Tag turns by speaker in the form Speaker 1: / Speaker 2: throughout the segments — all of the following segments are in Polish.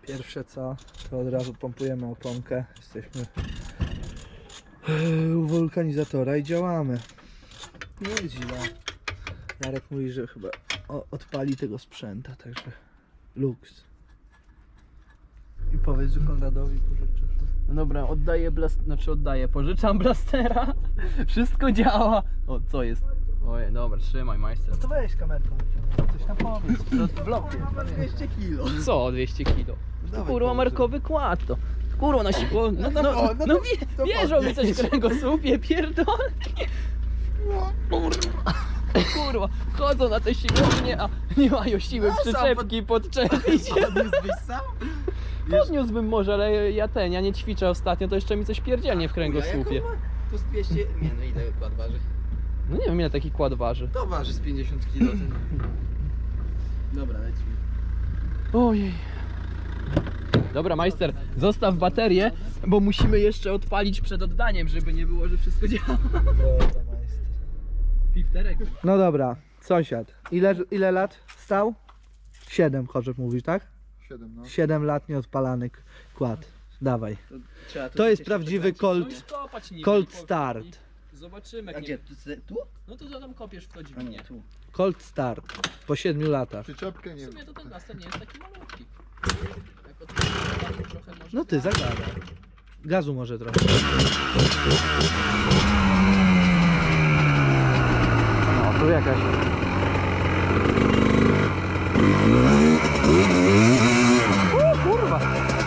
Speaker 1: Pierwsze co, to od razu pompujemy oponkę. Jesteśmy u wulkanizatora i działamy. Nie jest źle. Jarek mówi, że chyba odpali tego sprzęta, także luks. I powiedz, że Konradowi pożyczysz.
Speaker 2: No dobra, pożyczam blastera. Wszystko działa. O, co jest? Ojej, dobra, trzymaj, majster.
Speaker 1: No to weź kamerką, coś tam powiedz.
Speaker 2: To w blokie.
Speaker 1: 200 kilo.
Speaker 2: Co 200 kilo?
Speaker 1: Dawaj,
Speaker 2: Kurwa,
Speaker 1: powiedz.
Speaker 2: markowy kład to. Kurwa, na siłę. Wierzą mi coś w kręgosłupie, pierdolki. Kurwa, chodzą na te siłownie, a nie mają siły przyczepki podczepić.
Speaker 1: Podniósłbyś sam?
Speaker 2: Podniósłbym może, ale ja nie ćwiczę ostatnio, to jeszcze mi coś pierdzielnie w kręgosłupie.
Speaker 3: To z 200... Nie no, ile kład waży?
Speaker 2: No nie wiem ile taki kład waży.
Speaker 3: To waży z 50 kg ten. Dobra, lecimy.
Speaker 2: Ojej. Dobra, majster, zostaw baterię, bo musimy jeszcze odpalić przed oddaniem, żeby nie było, że wszystko działa. Fifterek.
Speaker 1: No dobra, sąsiad. Ile lat stał? 7, Chorzeb mówisz, tak?
Speaker 4: 7, no.
Speaker 1: 7 lat nieodpalany kład. Dawaj.
Speaker 3: Trzeba
Speaker 1: To jest prawdziwy Colt
Speaker 2: Colt
Speaker 1: Start.
Speaker 2: Zobaczymy.
Speaker 3: A
Speaker 2: Jak
Speaker 3: gdzie?
Speaker 2: nie...
Speaker 3: Tu?
Speaker 2: No to tam kopiesz w to
Speaker 3: A nie,
Speaker 2: dźwignię.
Speaker 3: tu.
Speaker 1: Colt Start. Po 7 latach.
Speaker 4: Przyczepkę
Speaker 2: W
Speaker 4: nie
Speaker 2: sumie
Speaker 4: wiem.
Speaker 2: to ten blaster nie jest taki malutki. Jak odpalimy, to trochę może...
Speaker 1: No ty zagadaj. Gazu może trochę.
Speaker 2: No, tu jakaś... Kurwa!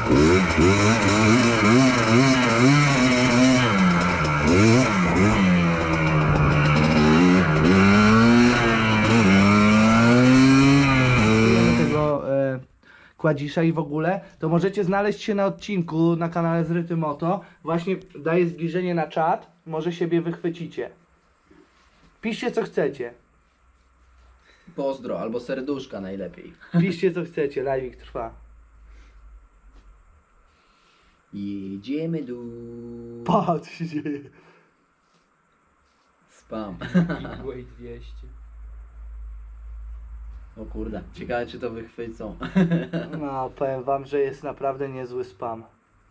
Speaker 1: Tego kładzisza i w ogóle, to możecie znaleźć się na odcinku na kanale Zryty Moto. Właśnie daję zbliżenie na czat, może siebie wychwycicie. Piszcie co chcecie.
Speaker 3: Pozdro, albo serduszka najlepiej.
Speaker 1: Piszcie co chcecie, live'ik trwa.
Speaker 3: Jedziemy do...
Speaker 1: Patrz się dzieje.
Speaker 3: Spam.
Speaker 2: Midway 200.
Speaker 3: O kurde, ciekawe czy to wychwycą.
Speaker 1: No, powiem wam, że jest naprawdę niezły spam.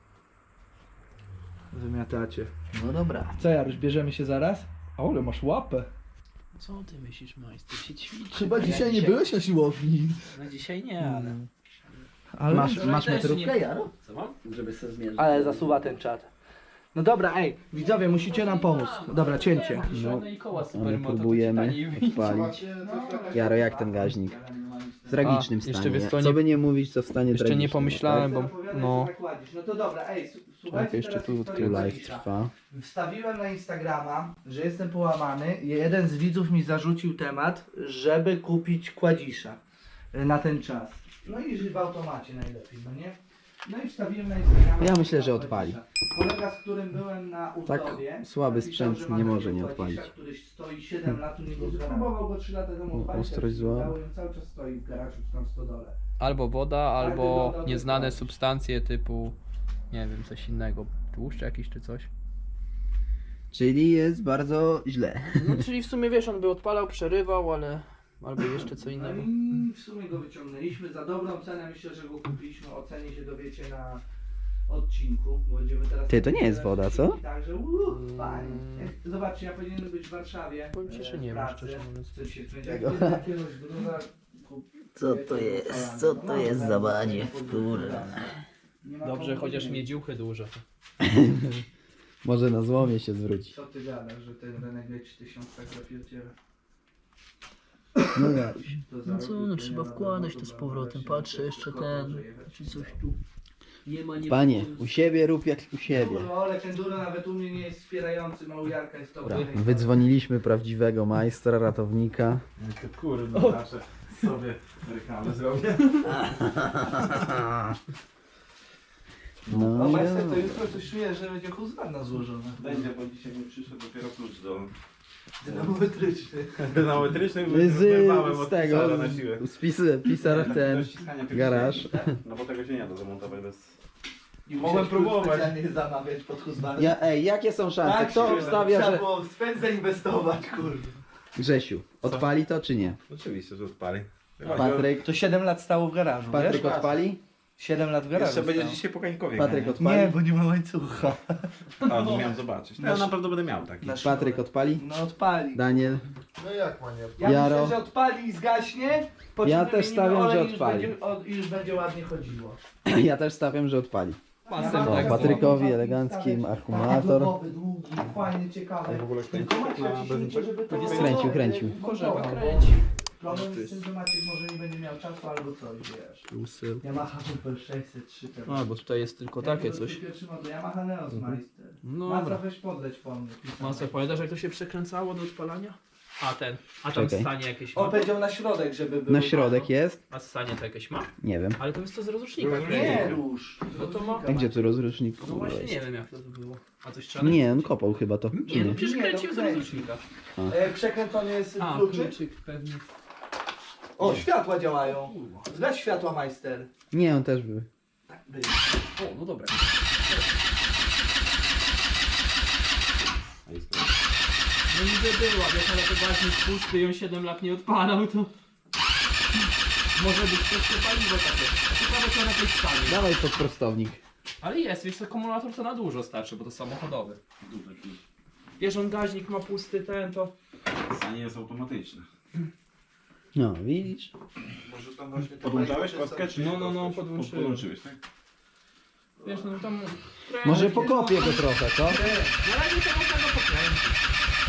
Speaker 1: Wymiatacie.
Speaker 3: No dobra.
Speaker 1: Co Jaruś, bierzemy się zaraz? O, ale masz łapę.
Speaker 2: Co ty myślisz, majster? Się ćwiczy.
Speaker 1: Chyba dzisiaj nie byłeś na siłowni.
Speaker 2: No dzisiaj nie, ale...
Speaker 1: Ale,
Speaker 3: Masz
Speaker 2: też
Speaker 3: metrówkę,
Speaker 2: nie-
Speaker 3: Jaro?
Speaker 2: Co mam?
Speaker 3: Żeby sobie zmierzyć.
Speaker 1: ale zasuwa ten czat. No dobra, ej, widzowie, musicie nam pomóc. Dobra, cięcie.
Speaker 2: No, i koła
Speaker 3: My
Speaker 2: supermoto,
Speaker 3: próbujemy
Speaker 2: to ci taniej wyjdzie.
Speaker 3: odpalić. Jaro, jak ten gaźnik? W tragicznym
Speaker 2: A, jeszcze
Speaker 3: stanie.
Speaker 2: wiesz co,
Speaker 3: Co
Speaker 2: nie-
Speaker 3: by nie mówić, to w stanie
Speaker 2: Jeszcze
Speaker 3: tragicznym.
Speaker 2: nie pomyślałem, bo... No...
Speaker 1: No to dobra, ej, słuchajcie
Speaker 2: Tak, jeszcze
Speaker 1: teraz
Speaker 2: tu
Speaker 1: historię
Speaker 3: Tu live
Speaker 1: Kładzisza.
Speaker 3: trwa.
Speaker 1: Wstawiłem na Instagrama, że jestem połamany. Jeden z widzów mi zarzucił temat, żeby kupić Kładzisza na ten czas. No i w automacie najlepiej, no nie? No i wstawiłem na Instagrama.
Speaker 3: Ja myślę, że odpali.
Speaker 1: Kolega, z którym byłem na
Speaker 3: Tak
Speaker 1: Uzdrowie,
Speaker 3: słaby
Speaker 1: napisał,
Speaker 3: sprzęt
Speaker 1: że ma
Speaker 3: nie
Speaker 1: takiego
Speaker 3: może nie
Speaker 1: Kładzisza,
Speaker 3: odpalić.
Speaker 1: który stoi 7 lat u niego. Próbował go 3 lata temu odpalić,
Speaker 3: ostrość zła.
Speaker 1: udało i cały czas stoi w garażu czy tam w stodole.
Speaker 2: Albo woda, albo
Speaker 1: woda,
Speaker 2: nieznane
Speaker 1: to
Speaker 2: substancje typu... Nie wiem, coś innego. Tłuszcz jakiś czy coś.
Speaker 3: Czyli jest bardzo źle.
Speaker 2: No czyli w sumie wiesz, on by odpalał, przerywał, ale... Albo jeszcze co
Speaker 1: No
Speaker 2: innego.
Speaker 1: i w sumie go wyciągnęliśmy za dobrą cenę. Myślę, że go kupiliśmy. O cenie się dowiecie na odcinku. Bo będziemy teraz...
Speaker 3: Ty, to nie jest woda, co?
Speaker 1: Także fajnie. Zobaczcie, ja powinienem być w Warszawie.
Speaker 2: Powiem ci, że nie wiem,
Speaker 1: pracy.
Speaker 2: szczerze mówiąc.
Speaker 1: Coś się będzie
Speaker 3: Tego.
Speaker 1: jakiegoś gruza.
Speaker 3: Co to jest? Co to jest za baniew, kurwa?
Speaker 2: Dobrze, chociaż miedziuchy duże.
Speaker 3: Może na złomie się zwróci.
Speaker 1: Co ty gadasz, że ten Renegade 1000 tak zapierdziela?
Speaker 3: No Jaruś.
Speaker 1: No co, no trzeba wkładać to
Speaker 2: z powrotem. Patrzę jeszcze czy coś tu nie ma, nie
Speaker 3: Panie, u siebie rób jak u siebie.
Speaker 1: Kurwa, ale enduro nawet u mnie nie jest wspierający, Małujarka jest to.
Speaker 3: Dobra, wydzwoniliśmy prawdziwego majstra, ratownika.
Speaker 4: Kurde, nasze sobie reklamę zrobię.
Speaker 1: No
Speaker 3: No,
Speaker 1: majster, to jutro coś czuję, że będzie Husqvarna złożona.
Speaker 4: Będzie, bo dzisiaj mi przyszedł dopiero klucz do
Speaker 1: Dynamometryczny.
Speaker 4: dynamometryczny.
Speaker 3: z tego, pisar ten garaż.
Speaker 4: No bo tego się nie da zamontować bez...
Speaker 1: I
Speaker 4: Mogłem
Speaker 1: musiałeś
Speaker 4: próbować.
Speaker 1: specjalnie zamawiać pod Husqvarnę.
Speaker 3: Ja, ej, jakie są szanse?
Speaker 1: Tak,
Speaker 3: Kto obstawia,
Speaker 1: trzeba
Speaker 3: że...
Speaker 1: było w spęd zainwestować, kurde.
Speaker 3: Grzesiu, odpali to czy nie?
Speaker 4: Oczywiście, że odpali.
Speaker 3: Patryk,
Speaker 1: To 7 lat stało w garażu,
Speaker 3: Patryk
Speaker 1: wiesz?
Speaker 3: odpali?
Speaker 1: 7 lat w garażu
Speaker 4: Jeszcze będzie
Speaker 1: stał.
Speaker 4: dzisiaj po Kańkowie.
Speaker 2: Patryk
Speaker 4: nie?
Speaker 2: odpali?
Speaker 1: Nie, bo nie ma łańcucha.
Speaker 4: A, no miałem zobaczyć. No, ja na pewno będę miał taki.
Speaker 2: Patryk odpali?
Speaker 1: No odpali.
Speaker 2: Daniel?
Speaker 5: No jak ma nie?
Speaker 1: Ja
Speaker 2: Jaro.
Speaker 1: myślę, że odpali i zgaśnie. Po czym
Speaker 2: Ja też
Speaker 1: wymienimy
Speaker 2: stawiam,
Speaker 1: olej
Speaker 2: że
Speaker 1: i już
Speaker 2: odpali.
Speaker 1: będzie- Już będzie ładnie chodziło.
Speaker 2: Ja też stawiam, że odpali.
Speaker 1: Masem
Speaker 2: O, Patrykowi elegancki akumulator.
Speaker 1: Długi, fajny, ciekawy.
Speaker 4: W ogóle kręci
Speaker 1: Tylko Maciek
Speaker 4: na
Speaker 1: ciśnijcie, żeby to...
Speaker 2: Kręcił.
Speaker 1: Możemy
Speaker 2: kręci.
Speaker 1: Problem jest z tym, że Maciek może nie będzie miał czasu albo coś, wiesz. Yamaha Super 603 teraz.
Speaker 2: A, bo tutaj jest tylko takie coś.
Speaker 1: Pierwszy model Yamaha Neos Meister.
Speaker 2: No
Speaker 1: Masa
Speaker 2: dobra.
Speaker 1: weź podleć po mnie.
Speaker 2: Masę, pamiętasz jak to się przekręcało do odpalania? A ten, a tam
Speaker 3: Czekaj.
Speaker 2: stanie jakieś
Speaker 1: On
Speaker 2: ma?
Speaker 1: powiedział na środek, żeby było.
Speaker 3: Na środek jest?
Speaker 2: A stanie to jakieś ma?
Speaker 3: Nie wiem.
Speaker 2: Ale to jest to z rozrusznika.
Speaker 1: Nie rusz.
Speaker 2: No to ma-
Speaker 3: A gdzie tu rozrusznik?
Speaker 2: No
Speaker 3: Kurwa
Speaker 2: właśnie
Speaker 3: jest?
Speaker 2: nie wiem jak to było. A coś trzeba
Speaker 3: Nie, on
Speaker 2: nacisnąć?
Speaker 3: kopał chyba to.
Speaker 2: Nie,
Speaker 3: Czy
Speaker 2: no
Speaker 3: nie?
Speaker 2: przecież
Speaker 1: Nie,
Speaker 2: kręcił
Speaker 1: no
Speaker 2: z
Speaker 1: kręci.
Speaker 2: rozrusznika.
Speaker 1: Przekręcony jest
Speaker 2: A,
Speaker 1: kluczyk.
Speaker 2: kluczyk pewnie.
Speaker 1: O, światła działają. Zgaś światła, Majster.
Speaker 3: Nie, on też był.
Speaker 1: Tak, byli.
Speaker 2: O, no dobra. No niby była, wiesz, ale to właśnie pusty i on 7 lat nie odpalał, to... Może być też to paliwo takie. Ciekawe co na tej stanie.
Speaker 3: Dawaj pod prostownik.
Speaker 2: Ale jest, wiesz, akumulator to na dużo starczy, bo to samochodowy. Wiesz, on gaźnik ma pusty, ten to...
Speaker 4: Stanie jest automatyczne.
Speaker 3: No, widzisz?
Speaker 1: Może tam właśnie to
Speaker 4: Podłączałeś
Speaker 1: Majster
Speaker 4: kostkę, czy nie?
Speaker 2: No,
Speaker 4: Kostkę?
Speaker 2: podłączyłem.
Speaker 4: Podłączyłeś, tak?
Speaker 2: Wiesz, no tam...
Speaker 3: Może pokopię go trochę, co?
Speaker 2: Na razie to można go pokręcić.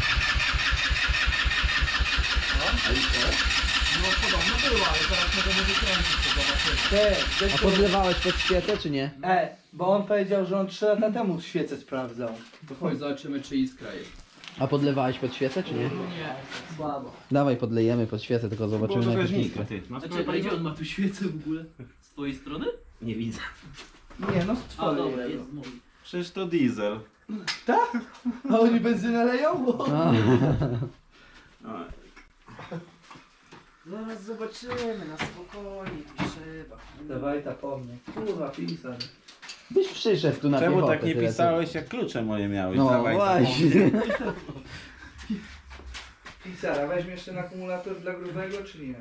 Speaker 2: No podobno było, ale teraz możemy wykręcić, to zobaczymy.
Speaker 3: A podlewałeś pod świecę, czy nie?
Speaker 1: Bo on powiedział, że on 3 lata temu świecę sprawdzał.
Speaker 2: To chodź, zobaczymy czy iskra jest.
Speaker 3: A podlewałeś pod świecę, czy nie?
Speaker 2: Nie.
Speaker 1: Słabo.
Speaker 3: Dawaj, podlejemy pod świecę, tylko zobaczymy
Speaker 4: Było
Speaker 3: na
Speaker 4: to
Speaker 3: jakie
Speaker 4: gaźnika,
Speaker 3: iskry.
Speaker 4: ty. Masz
Speaker 6: A
Speaker 4: tutaj
Speaker 6: czekaj, gdzie
Speaker 4: paliwo?
Speaker 6: on ma tu świecę w ogóle? Z twojej strony?
Speaker 4: Nie widzę.
Speaker 1: Nie, no z
Speaker 6: A
Speaker 1: twojej.
Speaker 6: dobra, jest mój.
Speaker 4: Przecież to diesel.
Speaker 1: A oni benzynę leją?
Speaker 3: A,
Speaker 4: A,
Speaker 2: Zaraz zobaczymy, na spokojnie, tu trzeba.
Speaker 1: Dawaj ta po mnie. Kurwa, pisar.
Speaker 3: byś przyszedł tu na
Speaker 4: czemu
Speaker 3: piechotę,
Speaker 4: tak nie
Speaker 3: tyle co.
Speaker 4: pisałeś, jak klucze moje miałeś?
Speaker 3: No
Speaker 4: Dawaj,
Speaker 3: właśnie.
Speaker 1: Pisara, weźmiesz ten akumulator dla grubego, czy nie?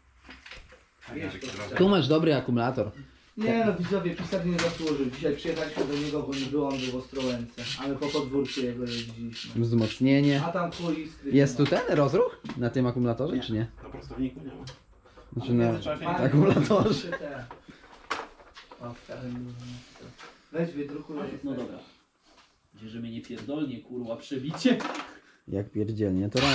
Speaker 3: Tu masz dobry akumulator.
Speaker 1: Nie no widzowie, pisar nie zasłużył. Dzisiaj przyjechaliśmy do niego, bo nie było, on był w Ostrołęce. A my po podwórku jego jeździliśmy.
Speaker 3: Wzmocnienie.
Speaker 1: A tam chuj iskry.
Speaker 3: Jest
Speaker 1: nie
Speaker 3: tu
Speaker 1: ma.
Speaker 3: ten rozruch? Na tym akumulatorze, czy nie?
Speaker 4: Na prostowniku nie ma.
Speaker 3: Znaczy na
Speaker 1: Fajnie,
Speaker 3: akumulatorze.
Speaker 1: te. O, w każdym weź wydrukuj.
Speaker 6: No dobra. Gdzie, że mnie nie pierdolnie, kurwa, przebicie.
Speaker 3: Jak pierdzielnie, to raz.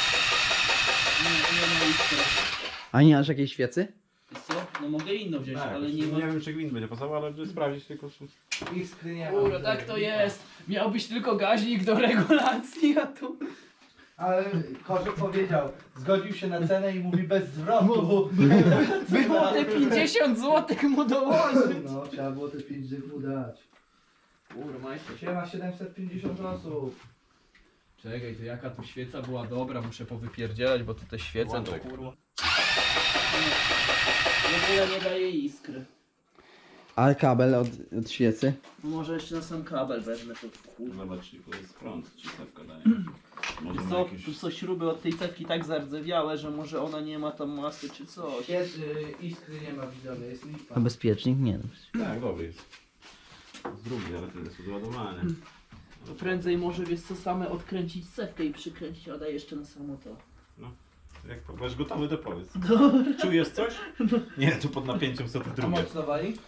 Speaker 6: Nie ma iskry.
Speaker 3: A nie masz jakiejś świecy?
Speaker 6: Wiesz co? No mogę inną wziąć,
Speaker 4: Tak,
Speaker 6: ale nie ma...
Speaker 4: wiem, czy gwint będzie pasował, ale żeby sprawdzić tylko, czy...
Speaker 1: Iskry nie ma.
Speaker 2: Kurde, tak to jest. Miał być tylko gaźnik do regulacji, a tu...
Speaker 1: Ale Korzek powiedział, zgodził się na cenę i mówi bez zwrotu.
Speaker 2: Było te 50 zł mu dołożyć.
Speaker 1: No, trzeba było te 5 dych mu dać.
Speaker 2: Kurde, majster.
Speaker 1: Siema 750 osób.
Speaker 2: Czekaj, to jaka tu świeca była dobra, muszę powypierdzielać, bo tu te świece to
Speaker 4: Włączek.
Speaker 2: kurwa.
Speaker 6: W ogóle nie daje iskry.
Speaker 3: A kabel od świecy?
Speaker 6: No może jeszcze na sam kabel wezmę to, kurwa.
Speaker 4: Zobacz, tylko jest prąd, czy cewka daje. Może
Speaker 6: Wiesz
Speaker 4: ma
Speaker 6: co?
Speaker 4: jakieś...
Speaker 6: Tu są śruby od tej cewki tak zardzewiałe, że może ona nie ma tam masy czy coś.
Speaker 1: Jest, iskry nie ma widzowie, jest lipa.
Speaker 3: A bezpiecznik? Nie.
Speaker 4: Tak, dobry jest. Z drugiej, ale to jest odładowanie.
Speaker 6: To prędzej może, wiesz co, same odkręcić cewkę i przykręcić, a daj jeszcze na samo to.
Speaker 4: Jak będziesz gotowy, to powiedz. Czujesz coś? Nie, tu pod napięciem są te
Speaker 1: A
Speaker 4: drugie.
Speaker 1: mocno wali?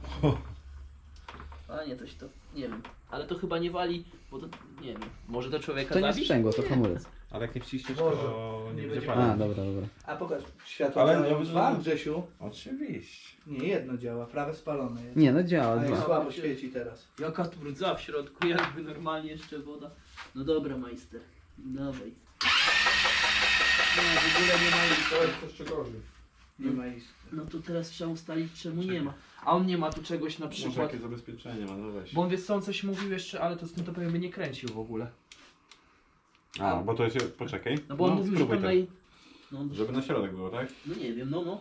Speaker 6: A nie, to się to, nie wiem. Ale to chyba nie wali, bo to, nie wiem. Może to człowieka
Speaker 3: To nie
Speaker 6: zabić?
Speaker 3: sprzęgło, to hamulec.
Speaker 4: Ale jak nie wciśniesz,
Speaker 1: Boże,
Speaker 4: to nie
Speaker 1: nie
Speaker 4: będzie
Speaker 1: będzie
Speaker 3: A,
Speaker 4: palić.
Speaker 3: dobra, dobra.
Speaker 1: A pokaż, światło
Speaker 4: Ale
Speaker 1: działają
Speaker 4: nie-
Speaker 1: dwa, Grzesiu?
Speaker 4: Oczywiście.
Speaker 1: Nie, jedno działa, prawe spalone jest.
Speaker 3: Nie, no działa,
Speaker 1: A jest
Speaker 3: dwa.
Speaker 1: słabo świeci teraz.
Speaker 6: Jaka tu rdza w środku, jakby normalnie jeszcze woda. No dobra, majster. Dawaj. No, w ogóle nie ma iskry.
Speaker 1: Nie ma iskry.
Speaker 6: No to teraz trzeba ustalić, czemu nie ma. A on nie ma tu czegoś na
Speaker 4: Może
Speaker 6: przykład.
Speaker 4: jakie zabezpieczenie ma, no weź.
Speaker 2: Bo on wie co, on coś mówił jeszcze, ale to z tym to pewnie by nie kręcił w ogóle.
Speaker 4: A, bo to jest... Poczekaj.
Speaker 6: No bo on mówił, że
Speaker 4: spróbuj
Speaker 6: tam
Speaker 4: to.
Speaker 6: naj... No,
Speaker 4: Żeby na środek było, tak?
Speaker 6: no nie wiem, no.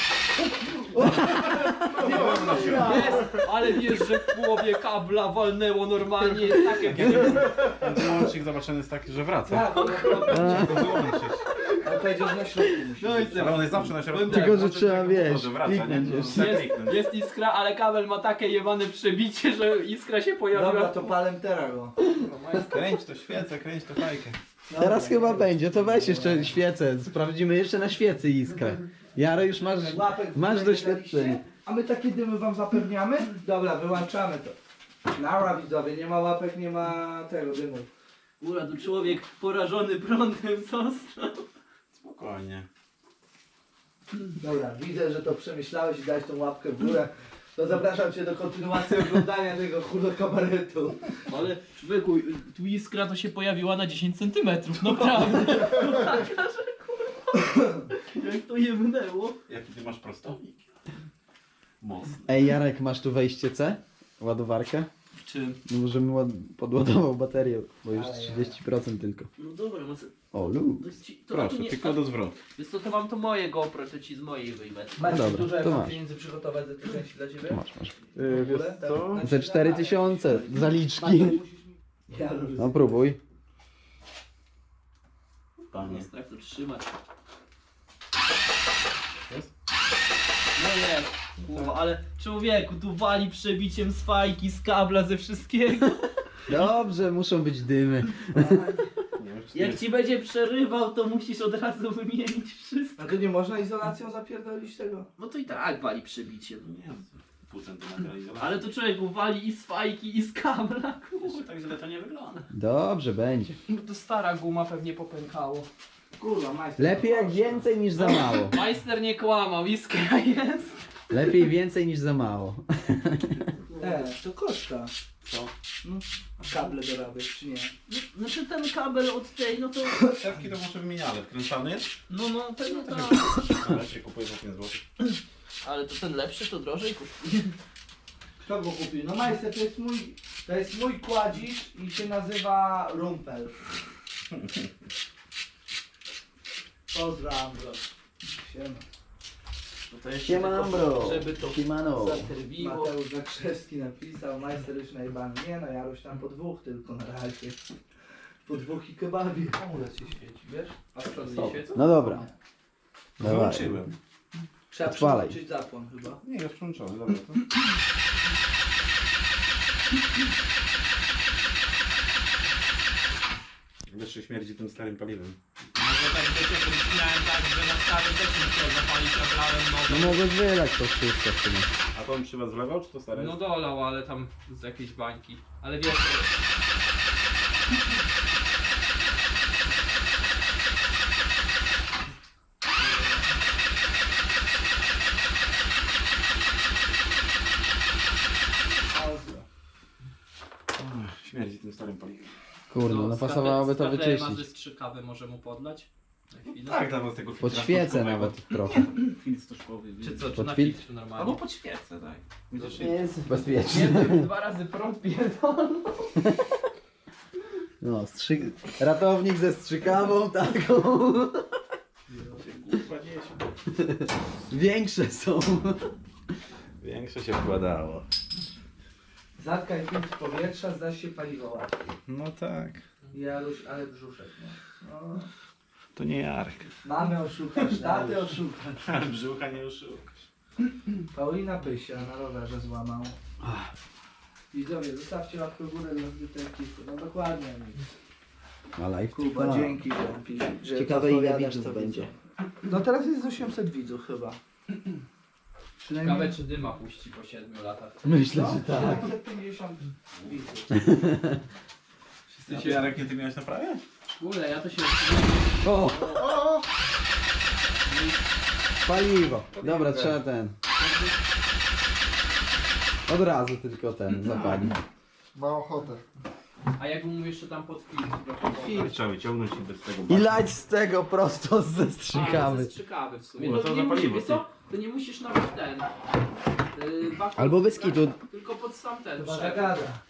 Speaker 2: Jest, ale wiesz, że w połowie kabla walnęło normalnie, jest takie...
Speaker 4: Ten łącznik zobaczony jest taki, że wraca.
Speaker 1: Tak, bo
Speaker 4: Trzeba go wyłączyć.
Speaker 1: powiedział, że na środku musi
Speaker 2: No i
Speaker 1: być.
Speaker 4: Ale on jest zawsze na środku.
Speaker 3: Tylko, że
Speaker 4: Może
Speaker 3: trzeba,
Speaker 4: tak
Speaker 3: wiesz,
Speaker 4: może wraca, nie?
Speaker 3: kliknąć
Speaker 4: No,
Speaker 3: jeszcze.
Speaker 4: tak kliknąć.
Speaker 2: Jest iskra, ale kabel ma takie jebane przebicie, że iskra się pojawiła.
Speaker 1: Dobra, to palem teraz go.
Speaker 4: Kręć to świecę, kręć to fajkę.
Speaker 3: Teraz chyba będzie, to weź jeszcze świecę, sprawdzimy jeszcze na świecy iskrę. Jaro, już
Speaker 1: Łapek
Speaker 3: masz
Speaker 1: w górę
Speaker 3: doświadczenie.
Speaker 1: daliście? A my takie dymy wam zapewniamy? Dobra, wyłączamy to. Nara widzowie, nie ma łapek, nie ma tego dymu.
Speaker 6: Góra, tu człowiek porażony prądem został.
Speaker 4: Spokojnie.
Speaker 1: Dobra, widzę, że to przemyślałeś i dałeś tą łapkę w górę. To zapraszam cię do kontynuacji oglądania tego kabaretu.
Speaker 6: Ale człowieku, tu iskra to się pojawiła na 10 cm, naprawdę. To taka, że kurwa. Jak to jebnęło.
Speaker 4: Jaki ty masz prostownik? Mocny.
Speaker 3: Ej, Jarek, masz tu wejście C? Ładowarkę?
Speaker 6: W czym?
Speaker 3: No, żebym podładował baterię, bo już
Speaker 1: Ale
Speaker 3: 30% tylko.
Speaker 6: No dobra, no co?
Speaker 3: O, lu.
Speaker 6: To jest ci, to
Speaker 4: Proszę,
Speaker 6: nie,
Speaker 4: tylko do zwrotu.
Speaker 6: Więc to mam to moje GoPro, to ci z mojej wyjmę.
Speaker 1: Macie
Speaker 3: dobra,
Speaker 1: dużo
Speaker 3: to
Speaker 1: mam
Speaker 3: masz.
Speaker 1: pieniędzy przygotować za te części dla ciebie?
Speaker 3: Masz.
Speaker 1: W ogóle? Tak, znaczy,
Speaker 3: Ze 4000 zaliczki.
Speaker 1: Ja
Speaker 3: No próbuj.
Speaker 4: Panie.
Speaker 6: Jest tak to trzymać.
Speaker 4: Jest?
Speaker 6: No nie, kurwa, ale człowieku, tu wali przebiciem z fajki, z kabla, ze wszystkiego.
Speaker 3: Dobrze, muszą być dymy.
Speaker 4: Nie wiem, czy
Speaker 6: Jak ci będzie przerywał, to musisz od razu wymienić wszystko.
Speaker 1: A to nie można izolacją zapierdolić tego?
Speaker 6: No to i tak wali przebiciem.
Speaker 4: nie. Pół centymetra izolacji.
Speaker 6: Ale to człowieku wali i z fajki, i z kabla,
Speaker 4: Jeszcze
Speaker 6: kurwa.
Speaker 4: tak źle to nie wygląda.
Speaker 3: Dobrze, będzie.
Speaker 2: No to stara guma pewnie popękało.
Speaker 1: Kurwa, majster.
Speaker 3: Lepiej jak więcej niż za mało.
Speaker 2: Majster nie kłamał, iskra jest.
Speaker 3: Lepiej więcej niż za mało.
Speaker 1: To koszta.
Speaker 4: Co?
Speaker 1: No, a kable dorabiać, czy nie?
Speaker 6: Znaczy ten kabel od tej, no to...
Speaker 4: Szewki to może wymieniane. Wkręcany jest?
Speaker 6: No pewnie tak.
Speaker 4: Ale się kupuje za 5 zł.
Speaker 6: Ale to ten lepszy to drożej kosztuje.
Speaker 1: Kto go kupił? No majster, to jest mój kładzisz i się nazywa Rumpel. Pozdrawiam bro. Siema.
Speaker 6: No to jeszcze
Speaker 3: Siemano,
Speaker 6: tylko,
Speaker 3: bro.
Speaker 6: żeby to
Speaker 3: Siemano.
Speaker 6: zaterwiło.
Speaker 1: Mateusz Zakrzewski napisał, majster już najebany. Nie no, Jaruś tam po dwóch tylko na razie. Po dwóch i kebabie.
Speaker 2: Amulet się świeci, wiesz? A z przodu nie świecą?
Speaker 3: No dobra. Dawaj.
Speaker 4: Wyłączyłem.
Speaker 1: Trzeba
Speaker 3: Odpalaj.
Speaker 1: przyłączyć zapłon chyba.
Speaker 4: Nie, jest przyłączony, dobra to. Jeszcze śmierdzi tym starym paliwem.
Speaker 2: Może tak wiecie, to miałem tak, że na stary też nie chciał zapalić, a brałem
Speaker 3: No
Speaker 2: nowy.
Speaker 3: mogłeś wylać to wszystko w sumie.
Speaker 4: A to on przy was wlewał, czy to stare?
Speaker 2: No dolał, ale tam z jakiejś bańki. Ale wiesz,
Speaker 4: Śmierdzi tym starym paliwem.
Speaker 3: Kurde, no pasowałoby to
Speaker 2: ma ze
Speaker 3: wyczyścić.
Speaker 2: strzykawę, może mu podlać? Na chwilę?
Speaker 4: Tak, tam z tego
Speaker 3: Pod
Speaker 4: filtra
Speaker 3: świecę
Speaker 4: sztuczkowego.
Speaker 3: nawet trochę.
Speaker 4: Filtr stożkowy.
Speaker 2: Czy co, czy
Speaker 3: Pod
Speaker 2: na
Speaker 3: filtr?
Speaker 2: filtr normalnie?
Speaker 4: Albo pod świecę, tak. Będziesz
Speaker 3: Nie jest bezpiecznie.
Speaker 2: Jednym 2 razy prąd pierdolą.
Speaker 3: No, ratownik ze strzykawą taką.
Speaker 4: Kurwa dzieci.
Speaker 3: Większe są.
Speaker 4: Większe się wkładało.
Speaker 1: Zatkaj filtr powietrza, zdasz się paliwo łatwiej.
Speaker 4: No tak.
Speaker 1: Jaruś, ale brzuszek, no.
Speaker 4: To nie Jarek.
Speaker 1: Mamy oszukasz, taty oszukasz.
Speaker 4: Brzucha nie oszukasz.
Speaker 1: Paulina Pysia na rowerze złamał. Widzowie, zostawcie łapkę w górę dla zbytej ekipy. No dokładnie.
Speaker 3: A live
Speaker 1: Kuba,
Speaker 3: trwa.
Speaker 1: dzięki. że
Speaker 3: Ciekawe ile
Speaker 1: odpowiadasz,
Speaker 3: widzów
Speaker 1: co
Speaker 3: będzie.
Speaker 1: widzą. No teraz jest 800 widzów chyba.
Speaker 2: Ciekawe czy dyma puści po 7 latach.
Speaker 3: Myślę,
Speaker 1: No,
Speaker 3: że tak.
Speaker 1: 750 widzów.
Speaker 2: Wszyscy
Speaker 4: Ty
Speaker 2: się...
Speaker 4: Jarek nie ty miałeś naprawiać?
Speaker 2: Kurde, ja to się...
Speaker 3: O! Paliwo. Dobra, trzeba ten. Od razu tylko ten zapalić.
Speaker 1: Ma ochotę.
Speaker 2: A jak mu jeszcze tam pod filtr trochę
Speaker 4: Filtr trzeba wyciągnąć i bez tego
Speaker 3: I lać z tego prosto ze
Speaker 2: A,
Speaker 3: strzykawy.
Speaker 2: ze strzykawy w sumie.
Speaker 4: No
Speaker 2: No
Speaker 4: to
Speaker 2: to
Speaker 4: za
Speaker 2: nie musisz,
Speaker 4: paliwo,
Speaker 2: wiesz co? To nie musisz nawet ten... bakon
Speaker 3: Albo bez kitu.
Speaker 2: Tylko pod sam ten
Speaker 1: Chyba
Speaker 2: przewód.
Speaker 1: zagada.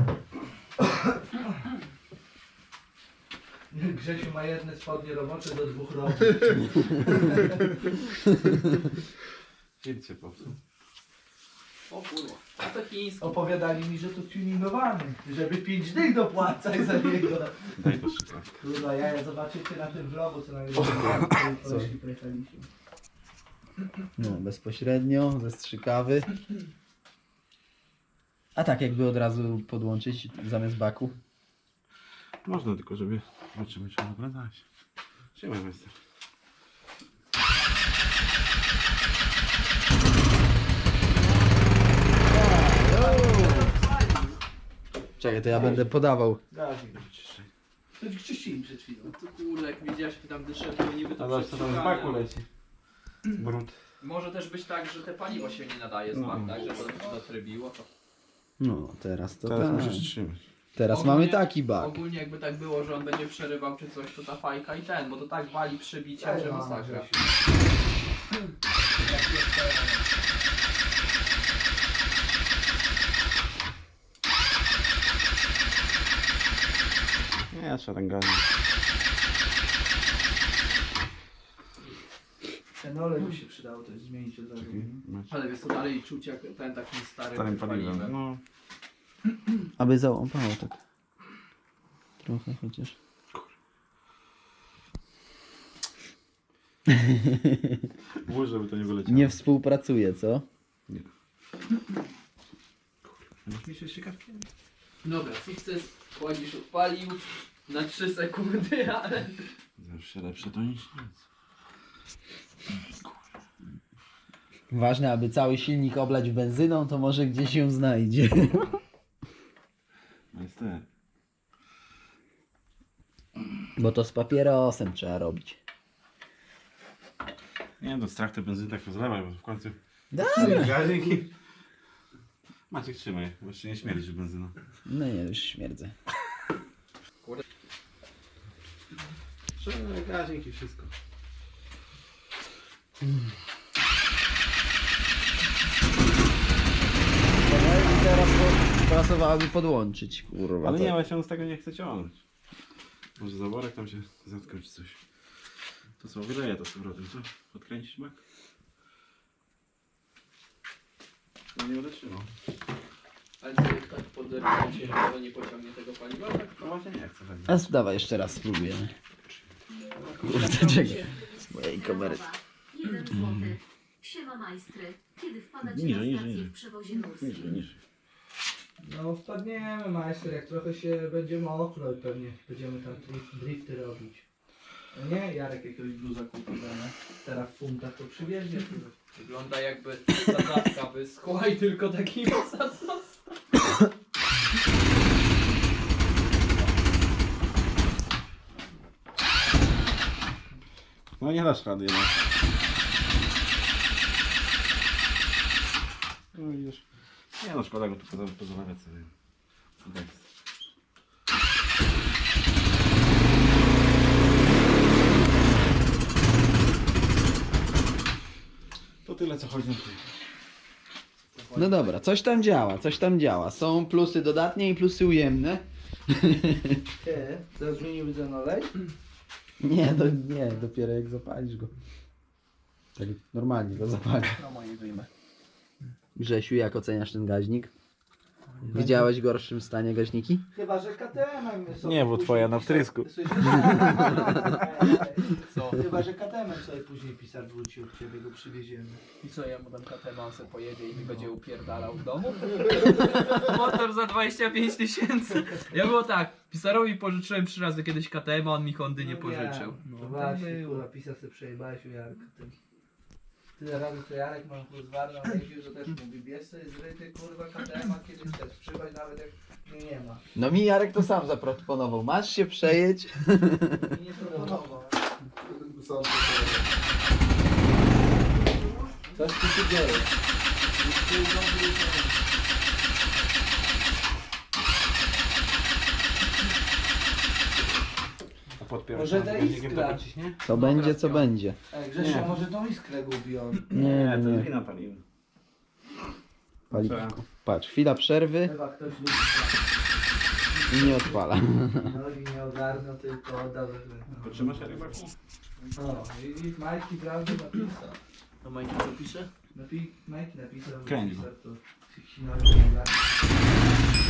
Speaker 1: Grzesiu ma jedne spodnie robocze do 2 rąk.
Speaker 4: Filtr się popsuł.
Speaker 2: O kurwa. A to chiński.
Speaker 1: Opowiadali mi, że to tuningowany, żeby 5 dych dopłacać za niego.
Speaker 4: Daj to szybko.
Speaker 1: Kurwa, ja zobaczycie na tym vlogu, co na koleżki pojechaliśmy.
Speaker 3: No, bezpośrednio, ze strzykawy. A tak jakby od razu podłączyć zamiast baku.
Speaker 4: Można tylko, żeby zobaczymy, czy on ogląda się. Trzymaj majster.
Speaker 3: Czekaj, to ja będę podawał.
Speaker 4: Gazik do wyczyszczenia.
Speaker 1: To ci czyścili przed chwilą.
Speaker 2: No to kurde, jak widziałeś, jak tam dyszę, to niby to
Speaker 4: A zobacz, co tam z baku leci. Brud.
Speaker 2: Może też być tak, że te paliwo się nie nadaje z bak, tak? Że to zatrybiło. To...
Speaker 3: No, teraz to
Speaker 4: Teraz
Speaker 3: tak.
Speaker 4: musisz trzymać.
Speaker 3: Teraz
Speaker 2: Ogólnie-
Speaker 3: mamy taki bak.
Speaker 2: Ogólnie jakby tak było, że on będzie przerywał czy coś, to ta fajka i ten, bo to tak wali przebiciem, że masakra.
Speaker 4: Nie, trzeba ten gazik.
Speaker 1: Ten olej by się przydało też zmienić od razu.
Speaker 4: Masz.
Speaker 2: Ale wiesz co, dalej czuć jak ten takim
Speaker 4: Starym paliwem. No.
Speaker 3: Aby załapało tak. Trochę chociaż.
Speaker 4: Włóż, żeby to nie wyleciało.
Speaker 3: Nie współpracuje, co?
Speaker 4: Masz mi się ciekawki?
Speaker 2: Dobra, sukces, kładzisz odpalił na 3 sekundy, ale...
Speaker 4: Zawsze lepsze to niż nic.
Speaker 3: Ważne, aby cały silnik oblać benzyną, to może gdzieś ją znajdzie.
Speaker 4: Majster.
Speaker 3: Bo to z papierosem trzeba robić.
Speaker 4: Nie no, strach te benzyny tak rozlewaj, bo w końcu...
Speaker 3: Dobra.
Speaker 4: Gazik i... Maciek, trzymaj, bo jeszcze nie śmierdzi benzyna.
Speaker 3: No nie, już śmierdzę.
Speaker 4: Trzymaj gazik i wszystko.
Speaker 3: I teraz pasowałoby podłączyć, kurwa.
Speaker 4: Ale
Speaker 3: to-
Speaker 4: nie, właśnie on z tego nie chce ciągnąć. Może zaworek tam się zatkał czy coś. To co, wyleje to z powrotem, co? Odkręcisz mak? No nie będę trzymał.
Speaker 2: Ale co, jak tak poderwacie, to nie pociągnie tego paliwa? Tak?
Speaker 4: No właśnie nie chcę tak.
Speaker 3: A dawaj jeszcze raz spróbujemy. Kurde, czekaj. Z mojej kamery.
Speaker 5: 1 złoty. Siema majstry. Kiedy wpadacie
Speaker 4: Niżej,
Speaker 5: na
Speaker 4: niżej,
Speaker 5: stację
Speaker 4: niżej.
Speaker 5: w przewozie górskim?
Speaker 4: Niżej.
Speaker 1: No wpadniemy, majster, jak trochę się będzie mokro i pewnie będziemy tam drifty robić. No nie, Jarek jakiegoś bluza kupi, nie? Teraz w funtach to przywiezie.
Speaker 2: Wygląda jakby sadzawka wyschła i tylko taki zasad został.
Speaker 4: No nie dasz rady jednak. No widzisz. Nie no, szkoda go tu pozalawiać sobie. Tak. To tyle co chodzi na tym.
Speaker 3: No dobra, coś tam działa, coś tam działa. Są plusy dodatnie i plusy ujemne.
Speaker 1: Ty, to zmienił ten olej?
Speaker 3: Nie, dopiero jak zapalisz go. Tak normalnie go zapalisz.
Speaker 1: No moje wyjmę.
Speaker 3: Grzesiu, jak oceniasz ten gaźnik? Widziałeś w gorszym stanie gaźniki?
Speaker 1: Chyba, że KTM-em sobie
Speaker 4: Nie, bo
Speaker 1: później
Speaker 4: twoja na
Speaker 1: pisar-
Speaker 4: wtrysku.
Speaker 1: Słyszysz?
Speaker 2: Co?
Speaker 1: Chyba, że KTM-em sobie później pisar wróci od ciebie, go przywieziemy.
Speaker 2: I co, ja mu dam KTM, on sobie pojedzie i mi będzie upierdalał w domu? Motor za 25 000. Ja było tak, pisarowi pożyczyłem 3 razy kiedyś KTM, a on mi Hondy nie pożyczył.
Speaker 1: No
Speaker 2: tak
Speaker 1: właśnie,
Speaker 2: było.
Speaker 1: kurwa, pisar sobie przejebałeś u Jarka. Ty. Tyle razy co Jarek mam kurwarną jeździł, że też mówi, bierz sobie zryty kurwa KTM-a kiedy chcesz, przychodź nawet jak mnie nie ma.
Speaker 3: No mi Jarek to sam zaproponował. Masz się przejedź.
Speaker 1: I nie proponował.
Speaker 3: Coś tu się dzieje.
Speaker 4: A podpierasz
Speaker 1: Może
Speaker 4: tam
Speaker 1: ta
Speaker 4: gaźnikiem
Speaker 1: iskra.
Speaker 4: tak ciśnie?
Speaker 3: Co będzie, co będzie.
Speaker 1: Ej, Grzesiu,
Speaker 4: Nie.
Speaker 1: może tą iskrę gubi on.
Speaker 3: Nie,
Speaker 4: to
Speaker 3: nie.
Speaker 4: jest wina paliwa.
Speaker 3: Paliwko. Patrz, chwila przerwy
Speaker 1: Chyba ktoś lubi
Speaker 3: i nie odpala.
Speaker 1: nogi nie ogarnął, tylko oddał.
Speaker 4: Potrzymasz rybaki?
Speaker 1: No, i majki prawdy napisał.
Speaker 6: To Majki co pisze?
Speaker 1: Majki napisał,
Speaker 4: Kręć
Speaker 1: że
Speaker 4: go.
Speaker 1: to się